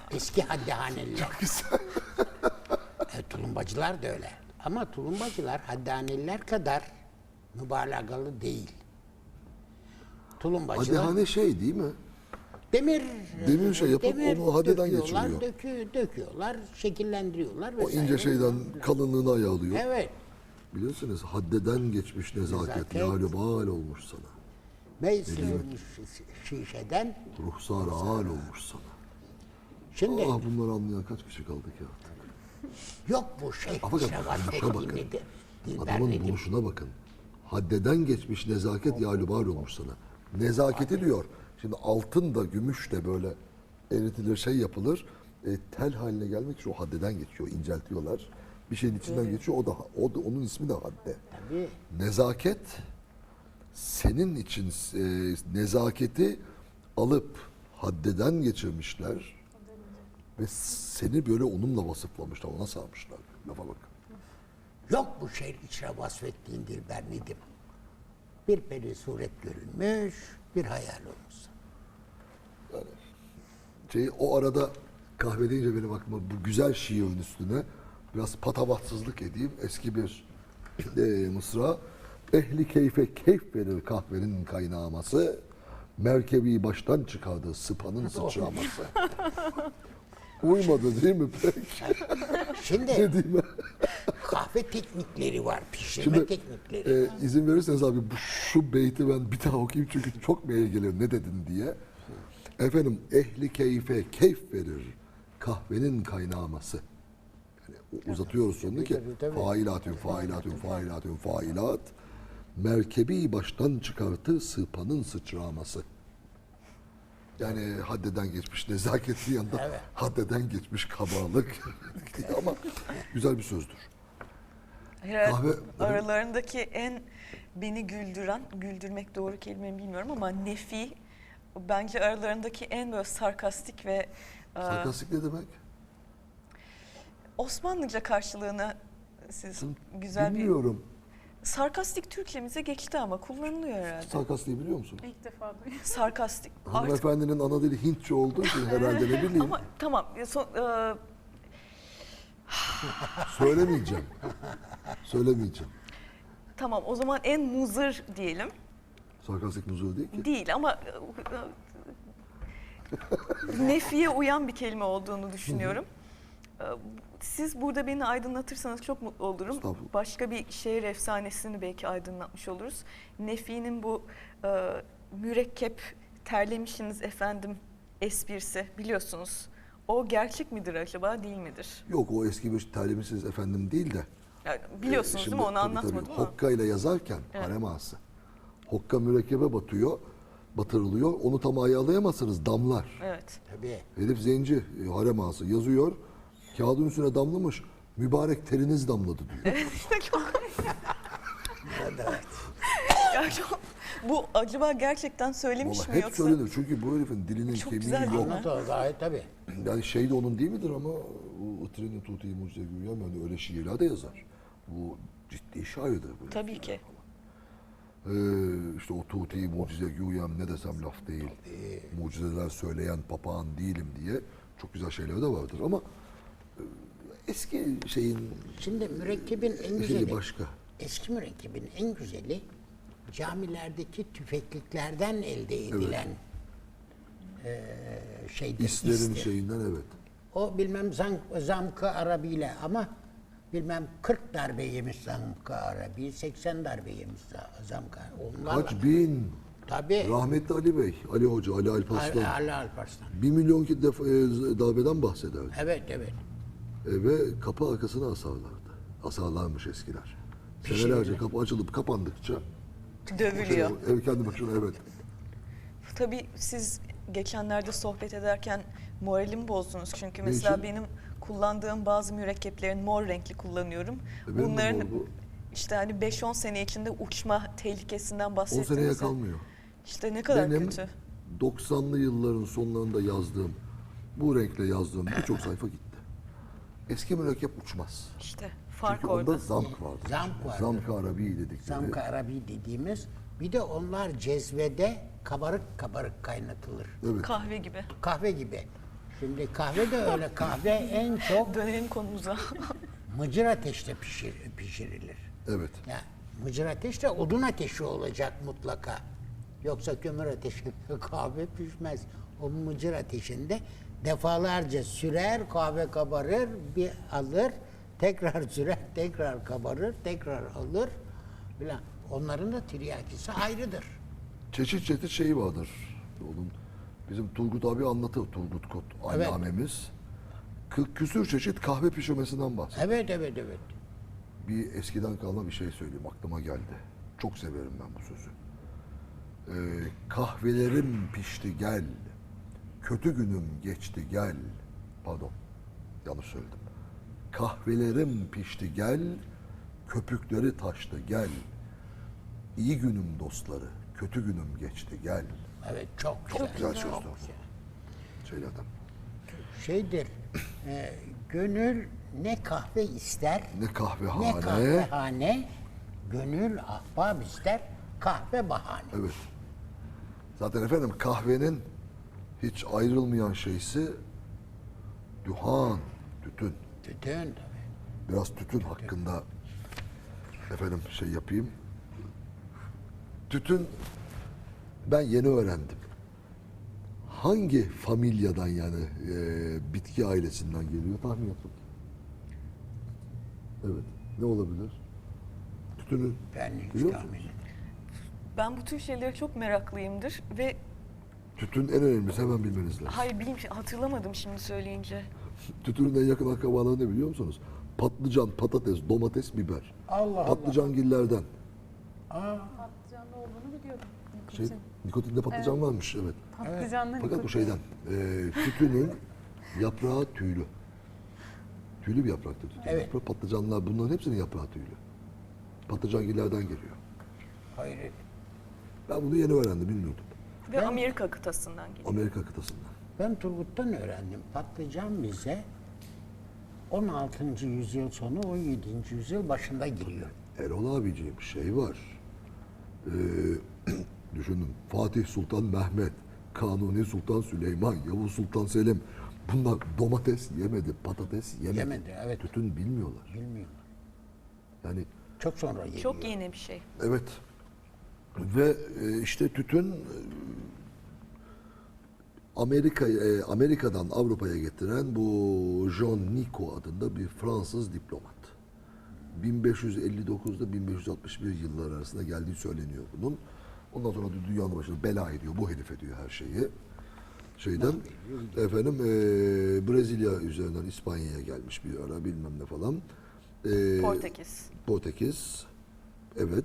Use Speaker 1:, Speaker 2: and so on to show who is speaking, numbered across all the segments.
Speaker 1: Eski haddihaneliler.
Speaker 2: Çok güzel.
Speaker 1: Tulumbacılar da öyle. Ama tulumbacılar haddihaneliler kadar mübalağalı değil. Tulumbacılar
Speaker 2: Haddihane şey değil mi?
Speaker 1: demir
Speaker 2: şey yapıp onu haddeden
Speaker 1: döküyorlar,
Speaker 2: geçiriyor.
Speaker 1: döküyorlar, şekillendiriyorlar
Speaker 2: O
Speaker 1: vesaire.
Speaker 2: ince şeyden
Speaker 1: falan.
Speaker 2: kalınlığını ayarlıyor.
Speaker 1: Evet.
Speaker 2: Biliyorsunuz haddeden geçmiş nezaket.
Speaker 1: Nezaket.
Speaker 2: Yâlubâl olmuş sana.
Speaker 1: Ve sıyırmış şişeden.
Speaker 2: Ruhsar hal olmuş sana.
Speaker 1: Şimdi
Speaker 2: Ah bunları anlayan kaç kişi kaldı ki artık?
Speaker 1: yok bu şey.
Speaker 2: Ama bakın,
Speaker 1: şevaset
Speaker 2: bakın.
Speaker 1: nedir? Dilber
Speaker 2: Adamın
Speaker 1: nedir?
Speaker 2: buluşuna bakın. Haddeden geçmiş nezaket yâlubâl olmuş sana. Nezaketi diyor. Şimdi altın da gümüş de böyle eritilir şey yapılır. Tel haline gelmek için o haddeden geçiyor. İnceltiyorlar. Bir şeyin içinden geçiyor. O da onun ismi de hadde.
Speaker 1: Tabii.
Speaker 2: Nezaket senin için nezaketi alıp haddeden geçirmişler ve seni böyle onunla vasıflamışlar, ona sarmışlar. Lafa bak.
Speaker 1: Yok bu şehir içine vasfettiğin Dilber Nedim. Bir peri suret görünmüş, bir hayal olmuş.
Speaker 2: O arada kahve deyince benim aklıma bu güzel şiirin üstüne biraz patavatsızlık edeyim. Eski bir mısra. Ehli keyfe keyf verir kahvenin kaynaması. Merkebi baştan çıkardı sıpanın sıçraması. Uymadı değil mi pek?
Speaker 1: Şimdi
Speaker 2: Ne diyeyim ben?
Speaker 1: kahve teknikleri var, pişirme
Speaker 2: Şimdi
Speaker 1: teknikleri.
Speaker 2: izin verirseniz abi şu beyti ben bir daha okuyayım çünkü çok mail gelir ne dedin diye. Efendim ehli keyfe keyf verir kahvenin kaynaması. Yani uzatıyoruz sonunu ki
Speaker 1: tabii.
Speaker 2: failat merkebi baştan çıkartı sıpanın sıçraması. Yani haddeden geçmiş nezaketin yanında haddeden geçmiş kabalık ama güzel bir sözdür.
Speaker 3: Herhalde
Speaker 2: Kahve-
Speaker 3: aralarındaki en beni güldürmek doğru kelime mi bilmiyorum ama nefi bence aralarındaki en böyle sarkastik ve
Speaker 2: Sarkastik ne demek?
Speaker 3: Osmanlıca karşılığını siz güzel
Speaker 2: Bilmiyorum.
Speaker 3: bir sarkastik Türkçemize geçti ama kullanılıyor herhalde.
Speaker 2: Sarkastiği biliyor musun?
Speaker 4: İlk defa duyuyorum.
Speaker 3: Sarkastik. Artık
Speaker 2: Hanımefendinin ana dili Hintçe olduğu için herhalde ne bileyim.
Speaker 3: ama tamam
Speaker 2: Söylemeyeceğim. Söylemeyeceğim.
Speaker 3: tamam o zaman en muzır diyelim.
Speaker 2: Sarkastik muzur değil ki.
Speaker 3: Değil ama nefiye uyan bir kelime olduğunu düşünüyorum. Siz burada beni aydınlatırsanız çok mutlu olurum.
Speaker 2: Estağfurullah.
Speaker 3: Başka bir şehir efsanesini belki aydınlatmış oluruz. Nefi'nin bu mürekkep terlemişsiniz efendim esprisi biliyorsunuz. O gerçek midir acaba değil midir?
Speaker 2: Yok o eski bir terlemişsiniz efendim değil de.
Speaker 3: Yani biliyorsunuz
Speaker 2: Şimdi
Speaker 3: değil mi? Onu
Speaker 2: tabii,
Speaker 3: anlatmadım
Speaker 2: tabii,
Speaker 3: ama.
Speaker 2: Hokka ile yazarken harem ağası. Hokka mürekkebe batırılıyor. Onu tam ayarlayamazsınız damlar.
Speaker 3: Evet.
Speaker 1: Tabii.
Speaker 2: Herif zenci, harem ağası yazıyor. Kağıdın üstüne damlamış. Mübarek teriniz damladı diyor.
Speaker 3: Ya bu acaba gerçekten söylemiş
Speaker 2: Vallahi
Speaker 3: mi
Speaker 2: hep
Speaker 3: yoksa?
Speaker 2: söylenir. Çünkü bu herifin dilinin
Speaker 3: Çok
Speaker 2: kemiği
Speaker 3: güzel değil
Speaker 2: yok.
Speaker 3: mi?
Speaker 1: Anlat o gayet tabii.
Speaker 2: Yani şey de onun değil midir ama o Itırını Tuğte'yi Mucize Güyem yani öyle şiirler de yazar. Bu ciddi şairdir bu.
Speaker 3: Tabii ki.
Speaker 2: İşte o Tuğte'yi Mucize Güyem ne desem laf değil. Mucizeler söyleyen papağan değilim diye çok güzel şeyler de vardır ama eski şeyin
Speaker 1: Şimdi mürekkebin en
Speaker 2: şeyi
Speaker 1: güzeli,
Speaker 2: başka.
Speaker 1: eski mürekkebin en güzeli camilerdeki tüfekliklerden elde edilen şeydir.
Speaker 2: İslerin
Speaker 1: istir.
Speaker 2: şeyinden evet.
Speaker 1: O bilmem zamkı arabiyle ama bilmem 40 darbe yemiş zamkı arabi, 80 darbe yemiş zamkı arabi. Onlarla.
Speaker 2: Kaç bin.
Speaker 1: Tabii.
Speaker 2: Rahmetli Ali Bey, Ali Hoca, Ali Alparslan.
Speaker 1: Ali Alparslan.
Speaker 2: 1 milyon darbeden bahsederdi.
Speaker 1: Evet, evet.
Speaker 2: Ve kapı arkasına asarlardı. Asarlarmış eskiler. Senelerce kapı açılıp kapandıkça
Speaker 3: Dövülüyor.
Speaker 2: ev kendi başına evet.
Speaker 3: Tabii siz geçenlerde sohbet ederken moralimi bozdunuz. Çünkü mesela
Speaker 2: için?
Speaker 3: benim kullandığım bazı mürekkeplerin mor renkli kullanıyorum.
Speaker 2: Benim de
Speaker 3: Bunların
Speaker 2: mor bu.
Speaker 3: işte hani 5-10 sene içinde uçma tehlikesinden
Speaker 2: 10
Speaker 3: bahsettiniz.
Speaker 2: seneye
Speaker 3: ya.
Speaker 2: kalmıyor.
Speaker 3: İşte ne kadar
Speaker 2: Benim
Speaker 3: kötü.
Speaker 2: 90'lı yılların sonlarında yazdığım, bu renkle yazdığım birçok sayfa gitti. Eski mürekkep uçmaz.
Speaker 3: İşte fark
Speaker 2: Çünkü
Speaker 3: orada.
Speaker 2: onda zamk vardı.
Speaker 1: Zamk vardı.
Speaker 2: Zamk-ı Arabi dedikleri.
Speaker 1: Zamkı arabi dediğimiz. Bir de onlar cezvede kabarık kabarık kaynatılır.
Speaker 2: Evet.
Speaker 3: Kahve gibi.
Speaker 1: Kahve gibi. Şimdi kahve de öyle. Kahve en çok
Speaker 3: Dönelim konumuza.
Speaker 1: mıcır ateşte pişirilir.
Speaker 2: Evet.
Speaker 1: Ya mıcır ateş de odun ateşi olacak mutlaka. Yoksa kömür ateşinde kahve pişmez. O mıcır ateşinde defalarca sürer, kahve kabarır, bir alır, tekrar sürer, tekrar kabarır, tekrar alır. Falan. Onların da tiryakisi ayrıdır.
Speaker 2: Çeşit çeşit şeyi vardır. Onun bizim Turgut abi anlatır. Turgut Kot
Speaker 1: Evet.
Speaker 2: allamemiz. 40 küsür çeşit kahve pişirmesinden bahsediyor.
Speaker 1: Evet, evet, evet.
Speaker 2: Bir eskiden kalma bir şey söyleyeyim, aklıma geldi. Çok severim ben bu sözü. Kahvelerim pişti gel, kötü günüm geçti gel. Pardon, yanlış söyledim. Kahvelerim pişti gel, köpükleri taştı gel. İyi günüm dostları, kötü günüm geçti gel.
Speaker 1: Evet, çok güzel.
Speaker 2: Çok güzel
Speaker 1: çok
Speaker 2: sözdür.
Speaker 1: güzel.
Speaker 2: Şeylerden.
Speaker 1: Şeydir, gönül ne kahve ister,
Speaker 2: Ne
Speaker 1: ne
Speaker 2: kahvehane.
Speaker 1: kahvehane, gönül ahbap ister, kahve bahane.
Speaker 2: Evet. Zaten efendim kahvenin hiç ayrılmayan şeysi duhan, tütün.
Speaker 1: Tütün tabii.
Speaker 2: Biraz tütün hakkında efendim şey yapayım. Tütün ben yeni öğrendim. Hangi familyadan yani bitki ailesinden geliyor tahmin et bakayım. Evet. Ne olabilir? Tütünün
Speaker 1: Ben hiç
Speaker 2: biliyor musunuz?
Speaker 1: tahmin etmiyorum.
Speaker 3: Ben bu tür şeylere çok meraklıyımdır ve
Speaker 2: Tütün en önemlisi hemen bilmeniz lazım.
Speaker 3: hayır hatırlamadım şimdi söyleyince.
Speaker 2: Tütünün en yakın akrabaları ne biliyor musunuz? Patlıcan, patates, domates, biber.
Speaker 1: Allah
Speaker 2: Patlıcangillerden.
Speaker 4: Patlıcanlı olduğunu biliyordum.
Speaker 2: Şey, nikotinde patlıcan varmış evet.
Speaker 4: Patlıcanlı
Speaker 2: Fakat bu şeyden, tütünün yaprağı tüylü. Tüylü bir yapraktır tütün.
Speaker 1: Evet.
Speaker 2: Yaprağı, patlıcanlar bunların hepsinin yaprağı tüylü. Patlıcangillerden geliyor.
Speaker 1: Hayret.
Speaker 2: Ben bunu yeni öğrendim, bilmiyordum.
Speaker 3: Ve Amerika kıtasından geliyor.
Speaker 2: Amerika kıtasından.
Speaker 1: Ben Turgut'tan öğrendim. Patlıcan bize 16. yüzyıl sonu 17. yüzyıl başında giriyor.
Speaker 2: Erol abiciğim şey var. Düşünün Fatih Sultan Mehmet, Kanuni Sultan Süleyman, Yavuz Sultan Selim. Bunlar domates yemedi, patates yemedi.
Speaker 1: Yemedi, evet.
Speaker 2: Tütün bilmiyorlar.
Speaker 1: Bilmiyorum.
Speaker 2: Yani
Speaker 1: Çok sonra geliyor.
Speaker 3: Çok yeni bir şey.
Speaker 2: evet. Ve işte tütün Amerika'dan Avrupa'ya getiren bu John Nico adında bir Fransız diplomat. 1559'da 1561 yılları arasında geldiği söyleniyor bunun. Ondan sonra da dünyanın başına bela ediyor. Bu herif ediyor her şeyi. Şeyden efendim Brezilya üzerinden İspanya'ya gelmiş bir ara bilmem ne falan.
Speaker 3: Portekiz.
Speaker 2: Portekiz. Evet.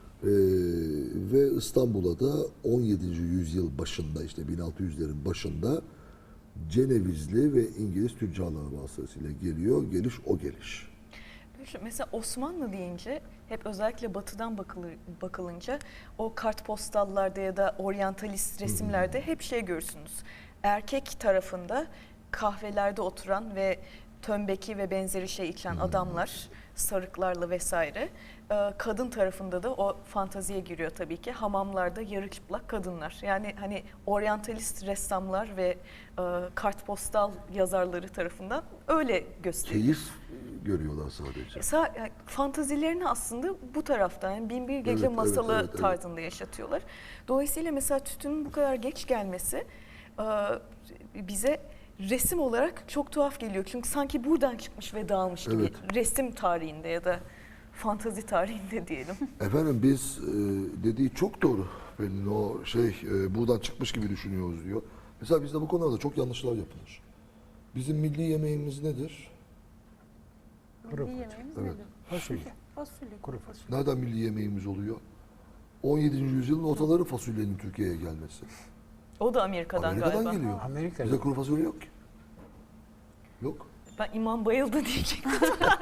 Speaker 2: Ve İstanbul'a da 17. yüzyıl başında işte 1600'lerin başında Cenevizli ve İngiliz tüccarlar vasıtasıyla geliyor. Geliş o geliş.
Speaker 3: Mesela Osmanlı deyince hep özellikle batıdan bakılınca o kartpostallarda ya da oryantalist resimlerde hep şey görürsünüz. Erkek tarafında kahvelerde oturan ve tömbeki ve benzeri şey içen adamlar sarıklarla vesaire. Kadın tarafında da o fantaziye giriyor tabii ki. Hamamlarda yarı çıplak kadınlar. Yani hani oryantalist ressamlar ve kartpostal yazarları tarafından öyle gösteriliyor.
Speaker 2: Keyif görüyorlar sadece.
Speaker 3: Yani fantazilerini aslında bu taraftan yani Binbir Gece
Speaker 2: Evet,
Speaker 3: masalı
Speaker 2: evet, evet, evet.
Speaker 3: tarzında yaşatıyorlar. Dolayısıyla mesela tütünün bu kadar geç gelmesi bize resim olarak çok tuhaf geliyor. Çünkü sanki buradan çıkmış ve dağılmış gibi
Speaker 2: Evet.
Speaker 3: resim tarihinde ya da fantazi tarihinde diyelim.
Speaker 2: Efendim biz dediği çok doğru. Benim o şey buradan çıkmış gibi düşünüyoruz diyor. Mesela bizde bu konularda çok yanlışlar yapılır. Bizim milli yemeğimiz nedir?
Speaker 4: Milli yemeğimiz
Speaker 2: Evet.
Speaker 4: nedir?
Speaker 1: Fasulye.
Speaker 4: Fasulye.
Speaker 1: Kuru fasulye.
Speaker 2: Nereden milli yemeğimiz oluyor? 17. yüzyılın ortaları fasulyenin Türkiye'ye gelmesi.
Speaker 3: O da Amerika'dan
Speaker 2: Amerika'dan
Speaker 3: galiba.
Speaker 2: geliyor.
Speaker 1: Amerika'dan.
Speaker 2: Bizde kuru fasulye yok ki. Yok.
Speaker 3: Ben İmam Bayıldı diyecektim.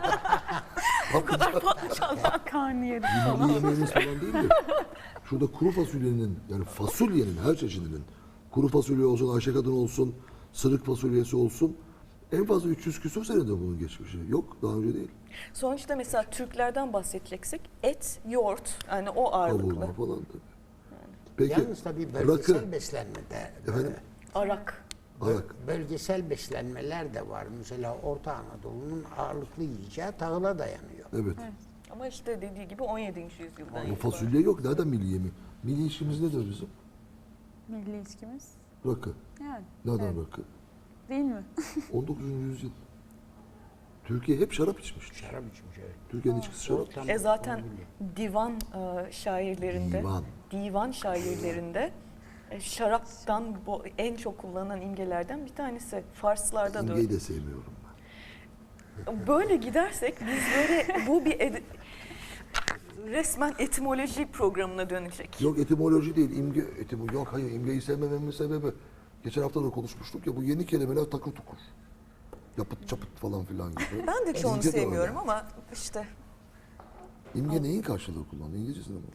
Speaker 4: Karnıyarık
Speaker 2: Milli
Speaker 4: falan.
Speaker 2: yemeğimiz falan değil de. Şurada kuru fasulyenin yani fasulyenin her çeşidinin kuru fasulye olsun, Ayşe kadın olsun, sırık fasulyesi olsun en fazla 300 küsur senedir bunun geçmişi. Yok daha önce değil.
Speaker 3: Sonuçta mesela Türklerden bahsedeceksek et, yoğurt yani o ağırlıklı.
Speaker 2: Kavurma falan tabii. Peki
Speaker 1: Yalnız tabii
Speaker 2: rakı,
Speaker 1: bölgesel beslenmede
Speaker 2: efendim?
Speaker 3: Arak.
Speaker 1: Bölgesel beslenmeler de var. Mesela Orta Anadolu'nun ağırlıklı yiyeceği tahıla dayanıyor.
Speaker 2: Evet.
Speaker 3: Ama işte dediği gibi 17. yüzyıldan
Speaker 2: Ama
Speaker 3: itibaren.
Speaker 2: fasulye yok. Nereden milli yemi? Milli işimiz nedir bizim?
Speaker 4: Milli içkimiz.
Speaker 2: Rakı.
Speaker 4: Yani.
Speaker 2: Nereden
Speaker 4: evet.
Speaker 2: rakı?
Speaker 4: Değil mi?
Speaker 2: 19. yüzyıl. Türkiye hep şarap içmiştir.
Speaker 1: Şarap içmiş, evet.
Speaker 2: Türkiye'nin içkisi şarap.
Speaker 1: Ortam-
Speaker 3: Zaten divan şairlerinde,
Speaker 2: Divan.
Speaker 3: divan şairlerinde şaraptan en çok kullanılan imgelerden bir tanesi. Farslarda da öyle.
Speaker 2: İmgeyi de sevmiyorum ben.
Speaker 3: Böyle gidersek biz böyle bu bir resmen etimoloji programına dönecek.
Speaker 2: Yok etimoloji değil, imge. Yok hayır, imgeyi sevmememin sebebi. Geçen hafta da konuşmuştuk ya, bu yeni kelimeler takır tukur. Yapıt çapıt falan filan gibi.
Speaker 3: Ben de çoğunu
Speaker 2: İmge de
Speaker 3: sevmiyorum
Speaker 2: öyle.
Speaker 3: ama işte
Speaker 2: İmge neyin karşılığı kullanıyor? İngilizcesinde mi?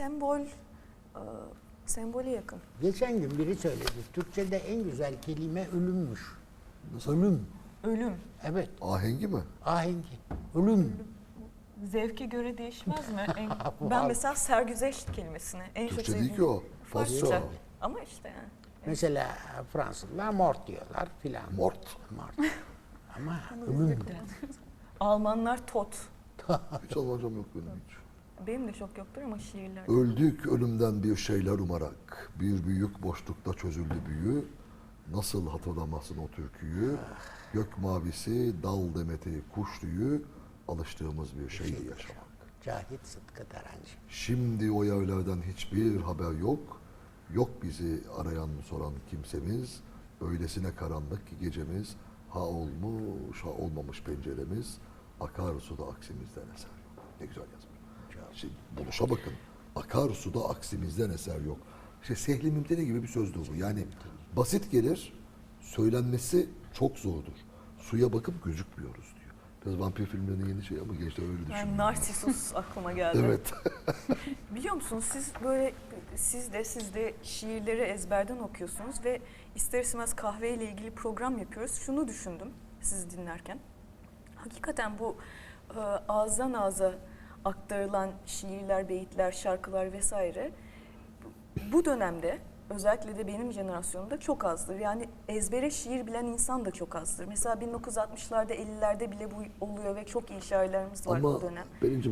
Speaker 3: sembole yakın.
Speaker 1: Geçen gün biri söyledi. Türkçe'de en güzel kelime ölümmüş.
Speaker 2: Nasıl?
Speaker 1: Ölüm.
Speaker 3: Ölüm.
Speaker 1: Evet.
Speaker 2: Ahengi mi?
Speaker 1: Ahengi. Ölüm.
Speaker 3: Zevke göre değişmez mi? Ben mesela sergüzeşt kelimesini en çok
Speaker 2: Türkçe
Speaker 3: sevdiğim.
Speaker 2: değil ki o. Farsça.
Speaker 3: Farsça. Ama işte yani.
Speaker 1: Mesela Fransızlar mort diyorlar filan.
Speaker 2: Mort.
Speaker 1: Mort. Ama ölüm.
Speaker 3: Almanlar tot.
Speaker 2: Hiç Almancam yok benim hiç.
Speaker 3: Benim de çok yoktur ama şiirler.
Speaker 2: Öldük ölümden bir şeyler umarak. Bir büyük boşlukta çözüldü büyü. Nasıl hatırlamazsın o türküyü? Gök mavisi, dal demeti, kuş tüyü. Alıştığımız bir şeydi yaşamak.
Speaker 1: Cahit Sıtkı Tarancı.
Speaker 2: Şimdi o yerlerden hiçbir haber yok. Yok bizi arayan soran kimsemiz. Öylesine karanlık ki gecemiz. Ha olmuş ha olmamış penceremiz. Akar suda aksimizden eser yok. Ne güzel yazmış. Şimdi buluşa bakın. Akar suda aksimizden eser yok. İşte Sehli Mümteni gibi bir sözdür bu. Yani basit gelir, söylenmesi çok zordur. Suya bakıp gözükmüyoruz diyor. Biraz vampir filmlerinin yeni şey ama gençler öyle düşünüyor.
Speaker 3: Yani Narsisus aklıma geldi.
Speaker 2: Evet.
Speaker 3: Biliyor musunuz siz de şiirleri ezberden okuyorsunuz ve ister istemez kahveyle ilgili program yapıyoruz. Şunu düşündüm sizi dinlerken. Hakikaten bu ağızdan ağza aktarılan şiirler, beyitler, şarkılar vesaire bu dönemde özellikle de benim jenerasyonumda çok azdır. Yani ezbere şiir bilen insan da çok azdır. Mesela 1960'larda 50'lerde bile bu oluyor ve çok iyi şairlerimiz var
Speaker 2: Ama
Speaker 3: o dönem.
Speaker 2: benim